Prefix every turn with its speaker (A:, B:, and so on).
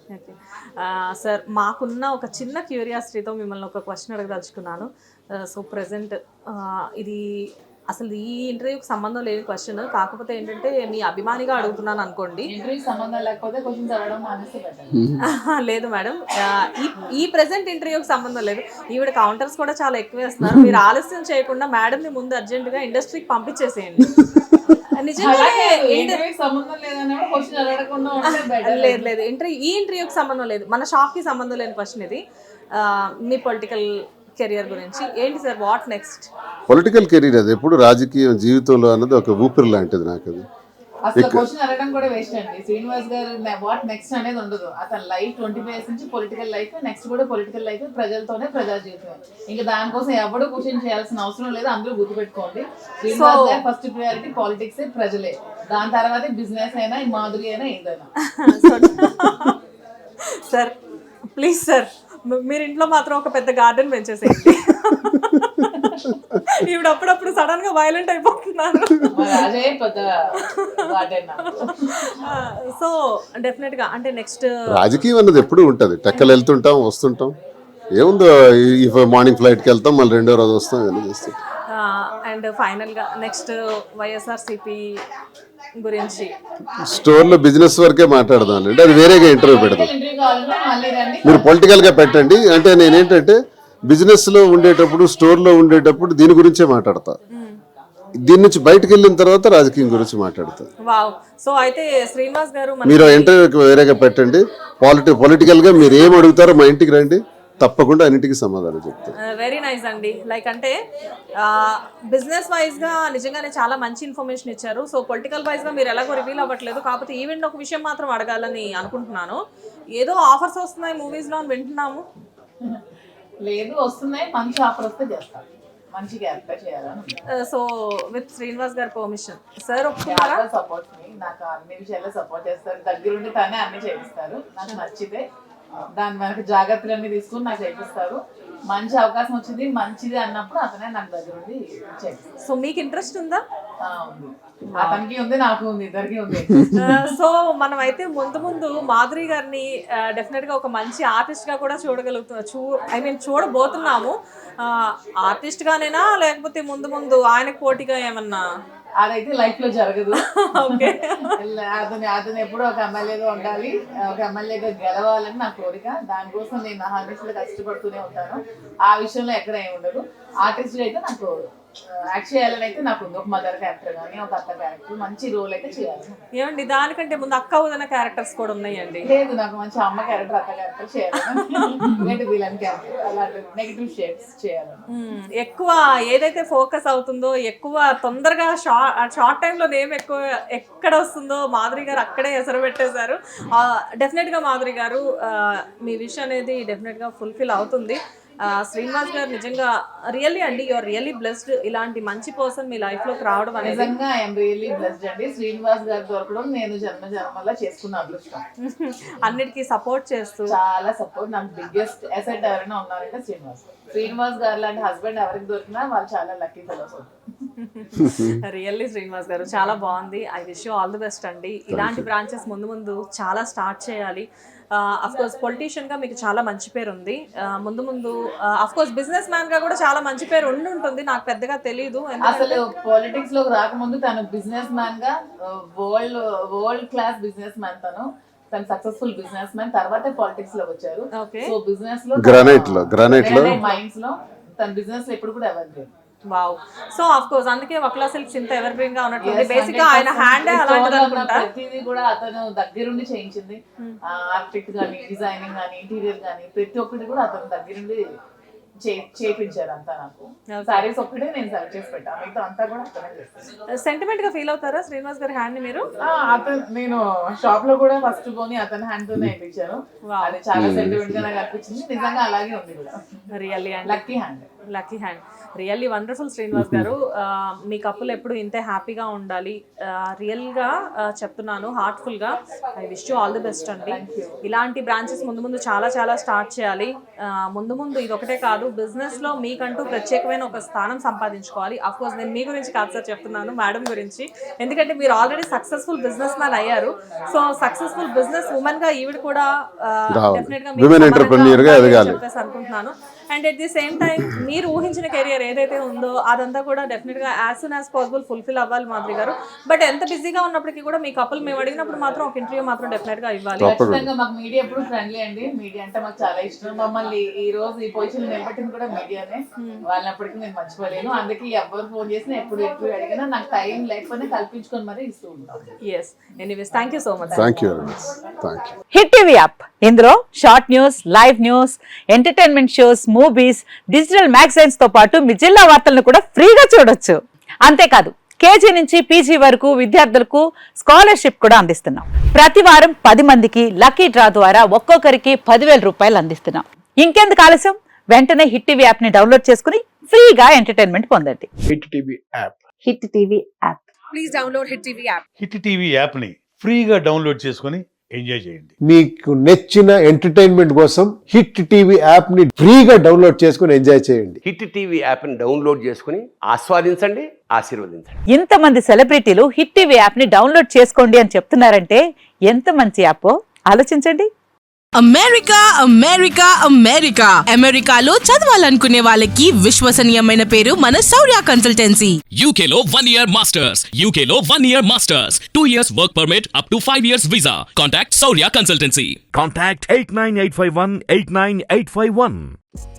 A: Okay. Sir మాకున్న ఒక చిన్న క్యూరియాసిటీతో మిమ్మల్ని ఒక క్వశ్చన్ అడగదలుచుకున్నాను. సో ప్రెజెంట్ ఇది అసలు ఈ ఇంటర్వ్యూకి సంబంధం లేని క్వశ్చన్, కాకపోతే ఏంటంటే మీ అభిమానిగా అడుగుతున్నాను అనుకోండి.
B: ఇంటర్వ్యూ సంబంధం లేకపోతే క్వశ్చన్స్ అడగడం మానేస్తే బెటర్.
A: లేదు మేడం, ఈ ప్రెజెంట్ ఇంటర్వ్యూకి సంబంధం లేదు. ఈవిడ కౌంటర్స్ కూడా చాలా ఎక్కువ వేస్తున్నారు. మీరు ఆలస్యం చేయకుండా మేడంని ముందు అర్జెంటుగా ఇండస్ట్రీకి పంపించేసేయండి. నిజంగా
B: సంబంధం లేదన్నప్పుడు క్వశ్చన్ అడగకుండా ఉంటే బెటర్.
A: లేదు లేదు, ఈ ఇంటర్వ్యూకి సంబంధం లేదు, మన షాప్కి సంబంధం లేని క్వశ్చన్ ఇది. మీ పొలిటికల్ కెరియర్ గురించి ఏంటి sir? What next?
C: Political career అది ఎప్పుడు రాజకీయ జీవితంలో అన్నది ఒక ఊపిరి లాంటిది నాకు. అది
B: అసలు క్వశ్చన్ అడగడం కూడా వేస్ట్ అండి. శ్రీనివాస్ గారు వాట్ నెక్స్ట్ అనేది ఉండదు. అతని లైఫ్ 25 years నుంచి పొలిటికల్ లైఫ్, నెక్స్ట్ కూడా పొలిటికల్ లైఫ్, ప్రజలతోనే ప్రజా జీవితం. ఇంకా దానికోసం ఎవరు క్వశ్చన్ చేయాల్సిన అవసరం లేదు. అందరూ గుర్తుపెట్టుకోండి, శ్రీనివాస్ గారు ఫస్ట్ ప్రియారిటీ పాలిటిక్స్, ప్రజలే. దాని తర్వాత బిజినెస్ అయినా, మాధురి అయినా, ఏదైనా.
A: సార్ ప్లీజ్ సార్, మీరు ఇంట్లో మాత్రం ఒక పెద్ద గార్డెన్ పెంచేసేయండి. ఇప్పుడు అప్పుడప్పుడు సడన్ గా వైలెంట్ అయిపోతున్నారు. సో డెఫినెట్ గా అంటే నెక్స్ట్
C: రాజకీయం అన్నది ఎప్పుడు ఉంటది. టెక్కలు వెళ్తుంటాం, వస్తుంటాం. ఏముందో మార్నింగ్ ఫ్లైట్కి వెళ్తాం, మళ్ళీ రెండో రోజు వస్తాం, ఇవన్నీ చేస్తాం.
A: అండ్ ఫైనల్ గా నెక్స్ట్ వైఎస్ఆర్సీపీ గురించి
C: స్టోర్లో బిజినెస్ వరకే మాట్లాడదాం అంటే అది వేరేగా ఇంటర్వ్యూ పెడదాం. మీరు పొలిటికల్ గా పెట్టండి. అంటే నేనేంటంటే బిజినెస్ లో ఉండేటప్పుడు, స్టోర్ లో ఉండేటప్పుడు దీని గురించే మాట్లాడతా. దీని నుంచి బయటకు వెళ్ళిన తర్వాత రాజకీయం గురించి మాట్లాడతా.
A: వావ్. సో అయితే శ్రీనివాస్ గారు
C: మీరు ఇంటర్వ్యూకి వేరేగా పెట్టండి. పొలిటికల్ గా మీరు ఏం అడుగుతారో మా ఇంటికి రండి, తప్పకుండా అన్నిటికీ సమాధానం చెప్తారు.
A: వెరీ నైస్ అండి. లైక్ అంటే బిజినెస్ వైజ్ గా నిజంగానే చాలా మంచి ఇన్ఫర్మేషన్ ఇచ్చారు. సో పొలిటికల్ వైజ్ గా మీరు ఎలాగో రివీల్ అవ్వట్లేదు, కాకపోతే ఈవెంట్ ఒక విషయం మాత్రం అడగాలని అనుకుంటున్నాను. ఏదో ఆఫర్స్ వస్తున్నాయి మూవీస్ లో అని వింటున్నాము.
B: లేదు, వస్తున్నాయి. మంచి ఆఫర్ వస్తే చేస్తాను. మంచి క్యారెక్టర్ చేయాలని.
A: సో విత్ శ్రీనివాస్ గారి పర్మిషన్ సార్
B: సపోర్ట్ నాకు అన్ని విషయాల్లో సపోర్ట్ చేస్తారు. దగ్గరుండి తనే అన్ని చేయిస్తారు. నాకు నచ్చితే దాని మనకి జాగ్రత్తలన్నీ తీసుకుని నాకు చేపిస్తారు. మంచి అవకాశం వచ్చింది, మంచిది అన్నప్పుడు అతనే నాకు దగ్గరుండి చేపిస్తారు.
A: సో మీకు ఇంట్రెస్ట్ ఉందా?
B: ఉంది, అతనికి ఉంది, నాకు ఉంది, ఇద్దరికి ఉంది.
A: సో మనం అయితే ముందు మాధురి గారిని డెఫినెట్ గా ఒక మంచి ఆర్టిస్ట్ గా కూడా చూడబోతున్నాము. ఆర్టిస్ట్ గానేనా, లేకపోతే ముందు ఆయనకు పోటీగా ఏమన్నా?
B: అదైతే లైఫ్ లో జరగదు. అతను ఎప్పుడూ ఒక ఎమ్మెల్యేగా ఉండాలి, ఒక ఎమ్మెల్యేగా గెలవాలని నా కోరిక. దానికోసం నేను నా 100% కష్టపడుతూనే ఉంటాను. ఆ విషయంలో ఎక్కడ ఏమి ఉండదు. ఆర్టిస్ట్ అయితే నాకు యాక్ట్ చేయాలని అయితే నాకు ఉంది. ఒక మదర్ క్యారెక్టర్ కానీ, ఒక అత్త క్యారెక్టర్, మంచి రోల్ అయితే చేయాలి.
A: ఏమండి దానికంటే ముందు అక్క వదిన క్యారెక్టర్స్ కూడా ఉన్నాయండి.
B: లేదు, నాకు మంచి అమ్మ క్యారెక్టర్, అత్త క్యారెక్టర్ చేయాలి. విలన్ క్యారెక్టర్, అలాంటి నెగిటివ్ షేడ్స్ చేయాలి.
A: ఎక్కువ ఏదైతే ఫోకస్ అవుతుందో, ఎక్కువ తొందరగా షార్ట్ టైంలో నేమ్ ఎక్కువ ఎక్కడ వస్తుందో మాధురి గారు అక్కడే ఎసరు పెట్టేశారు. డెఫినెట్గా మాధురి గారు మీ విష్ అనేది డెఫినెట్గా ఫుల్ఫిల్ అవుతుంది. శ్రీనివాస్ గారు నిజంగా రియల్లీ అండి, యూఆర్ రియల్లీ బ్లెస్డ్. ఇలాంటి మంచి పర్సన్ మీ లైఫ్ లోకి రావడం అనేది
B: నిజంగా ఐఎమ్ రియల్లీ బ్లెస్డ్ అండి. శ్రీనివాస్ గారు దొరకడం నేను జన్మలా చేసుకున్న అదృష్టం.
A: అన్నిటికీ సపోర్ట్ చేస్తూ
B: చాలా సపోర్ట్. నాకు బిగ్గెస్ట్ అసెట్ ఎవరైనా ఉన్నారంటే శ్రీనివాస్ గారు లాంటి హస్బెండ్ ఎవరికి దొరికినా వాళ్ళు చాలా lucky fellows.
A: Really Srinivas garu చాలా బాగుంది. I wish you all the best అండి. ఇలాంటి బ్రాంచెస్ ముందు చాలా స్టార్ట్ చేయాలి. అఫ్ కోర్స్ పొలిటీషియన్ గా మీకు చాలా మంచి పేరు ఉంది. ముందు అఫ్ కోర్స్ బిజినెస్ మ్యాన్ గా కూడా చాలా మంచి పేరు ఉంటుంది. నాకు పెద్దగా తెలియదు.
B: అసలు పాలిటిక్స్ లోకి రాకముందు తను బిజినెస్ మ్యాన్ గా వరల్డ్ క్లాస్ బిజినెస్ మ్యాన్. తను సక్సెస్ఫుల్ బిజినెస్ మ్యాన్, తర్వాతే పాలిటిక్స్ లోకి వచ్చారు. సో బిజినెస్ లో గ్రానైట్ లో మైండ్స్ లో తన బిజినెస్ లో ఎప్పుడు కూడా ఎవరు లేదు.
A: వావ్. సో ఆఫ్ కోర్స్ అందుకే వక్లా సిల్క్స్ ఇంత ఎవర్ గ్రీన్ గా ఉన్నట్టుంది. బేసిక్ గా ఆయన హ్యాండ్ అలాంటిది అనుకుంటా.
B: ప్రతిదీ కూడా అతను దగ్గరుండి చేయించింది. ఆర్కిటెక్ట్ గానీ, డిజైనింగ్ గానీ, ఇంటీరియర్ గానీ, ప్రతి ఒక్కటి కూడా అతను దగ్గరుండి చేయించారు. అంతా నాకు సారీస్ ఒక్కటే నేను సెలెక్ట్ చేసి పెట్టాను, మిగతా అంతా కూడా అతనే చేస్తాను.
A: సెంటిమెంట్ గా ఫీల్ అవుతారా శ్రీనివాస్ గారి హ్యాండ్ ని మీరు?
B: నేను షాప్ లో కూడా ఫస్ట్ పోని అతని హ్యాండ్ తోనే వేయించాను. అది చాలా సెంటిమెంట్ గా నాకు అనిపించింది. నిజంగా అలాగే ఉంది కూడా.
A: Really
B: lucky hand.
A: Lucky hand. Really wonderful Srinivas garu. మీ కప్పులు ఎప్పుడు ఇంతే హ్యాపీగా ఉండాలి. రియల్గా చెప్తున్నాను, హార్ట్ఫుల్గా I wish you all the best అండి. ఇలాంటి బ్రాంచెస్ ముందు ముందు చాలా చాలా స్టార్ట్ చేయాలి. ముందు ముందు ఇది ఒకటే కాదు, బిజినెస్లో మీకంటూ ప్రత్యేకమైన ఒక స్థానం సంపాదించుకోవాలి. అఫ్కోర్స్ నేను మీ గురించి కాదు సార్ చెప్తున్నాను, మేడం గురించి. ఎందుకంటే మీరు ఆల్రెడీ సక్సెస్ఫుల్ బిజినెస్ మ్యాన్ అయ్యారు. సో సక్సెస్ఫుల్ బిజినెస్ ఉమెన్ గా ఈవిడ కూడా డెఫినెట్ గా చెప్పేసి అనుకుంటున్నాను. And at the same time మీరు ఊహించిన కెరియర్ ఏదైతే ఉందో అదంతా కూడా డెఫినెట్ గా as soon as possible fulfil అవ్వాలి మాధురి గారు. బట్ ఎంత బిజీగా ఉన్నప్పటికీ కూడా మీ కపుల్ మేము అడిగినప్పుడు మాత్రం ఒక ఇంటర్వ్యూ మాత్రం డెఫినెట్ గా ఇవ్వాలి.
B: ఖచ్చితంగా మాకు మీడియా ఎప్పుడు ఫ్రెండ్లీ అండి. మీడియా అంటే మాకు చాలా ఇష్టం. మమ్మల్ని ఈ రోజు ఈ పొజిషన్ నిలబెట్టింది కూడా మీడియానే. వాళ్ళప్పటికీ నేను మర్చిపోలేను. అందుకే ఎవరు ఫోన్ చేసినా ఎప్పుడు ఇంటర్వ్యూ అడిగినా నాకు టైం లేకపోతే కల్పించుకొని మరీ ఇస్తూ ఉంటాం.
A: Yes, anyways thank you so much.
C: Thank you very much. Thank you.
D: Hit TV app, ఇందులో short news, live news, entertainment shows, movies, digital magazines తో పాటు మీ జిల్లా వార్తలను కూడా ఫ్రీగా చూడొచ్చు. అంతేకాదు కేజీ నుంచి పీజీ వరకు విద్యార్థులకు స్కాలర్షిప్ కూడా అందిస్తున్నాం. ప్రతి వారం 10 మందికి లక్కీ డ్రా ద్వారా ఒక్కొక్కరికి 10,000 రూపాయలు అందిస్తున్నాం. ఇంకెందుకు ఆలస్యం, వెంటనే హిట్ టీవీ యాప్ ని డౌన్లోడ్ చేసుకుని ఫ్రీగా ఎంటర్టైన్మెంట్ పొందండి.
E: Hit TV app.
D: Hit TV app.
A: Please download hit TV app.
E: Hit TV యాప్ని ఫ్రీగా డౌన్లోడ్ చేసుకొని ఎంజాయ్ చేయండి.
F: మీకు నచ్చిన ఎంటర్టైన్మెంట్ కోసం హిట్ టీవీ యాప్ ని ఫ్రీగా డౌన్లోడ్ చేసుకుని ఎంజాయ్ చేయండి.
G: హిట్ టీవీ యాప్ని డౌన్లోడ్ చేసుకుని ఆస్వాదించండి, ఆశీర్వదించండి.
D: ఇంతమంది సెలబ్రిటీలు హిట్ టీవీ యాప్ ని డౌన్లోడ్ చేసుకోండి అని చెప్తున్నారంటే ఎంత మంచి యాప్ ఆలోచించండి.
H: అమెరికా అమెరికా అమెరికా అమెరికాలో చదవాలనుకునే వాళ్ళకి విశ్వసనీయమైన పేరు మన శౌర్య కన్సల్టెన్సీ.
I: UK లో 1 year masters, UK లో 1 year masters, 2 years work permit up to 5 years visa. Contact Saurya Consultancy.
J: Contact 89851 89851.